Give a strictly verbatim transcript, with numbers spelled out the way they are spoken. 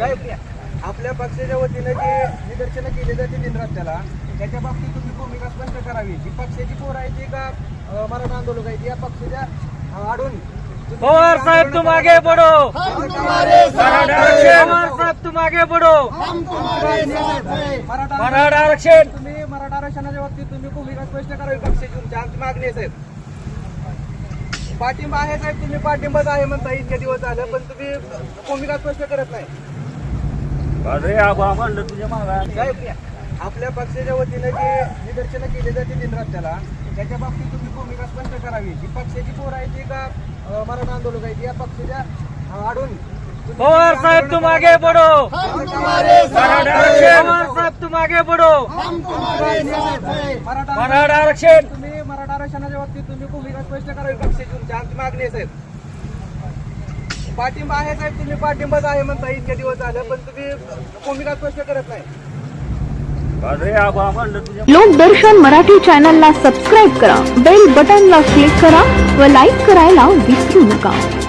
साहेब आपल्या पक्षाच्या वतीने जे निदर्शनं केली जाते दिन रस्त्याला त्याच्या बाबतीत तुम्ही भूमिका स्पष्ट करावी. जी पक्षाची पोर आहे ती का अं, मराठा आंदोलक आहे ती या पक्षाच्या अं, आडून पवार साहब तुम आगे बढ़ो, पवार साहब तुम आगे बढ़ो. मराठा आरक्षण तुम्ही मराठा आरक्षणाच्या बाबतीत तुम्ही भूमिका स्पष्ट करावी पक्षाची. तुमची आमची मागणी आहे साहेब. पाठिंबा आहे साहेब, तुम्ही पाठिंबाच आहे म्हणता इतके दिवस झालं, पण तुम्ही भूमिका स्पष्ट करत नाही. अरे आबा म्हणलं तुझ्या मागा साहेब आपल्या पक्षाच्या वतीने जे निदर्शनं केली जाते दिन रस्त्याला त्याच्या बाबतीत तुम्ही भूमिका स्पष्ट करावी. जी पक्षाची पोर आहे ती का अं, मराठा आंदोलक आहे ती या पक्षाच्या अं, आडून पवार साहब तुम आगे बढ़ो, पवार साहब तुम आगे बढ़ो. मराठा मराठा आरक्षण तुम्ही मराठा आरक्षणाच्या बाबतीत तुम्ही भूमिका स्पष्ट करावी पक्षाची. तुमची आमची मागणी आहे साहेब. पाठिंबा आहे साहेब, तुम्ही पाठिंबाच आहे म्हणता इतके दिवस झालं, पण तुम्ही भूमिका स्पष्ट करत नाही. अरे आबा म्हणलं तुझ्या लोकदर्शन मराठी चॅनलला सबस्क्राईब करा, बेल बटनला क्लिक करा व लाईक करायला विसरू नका.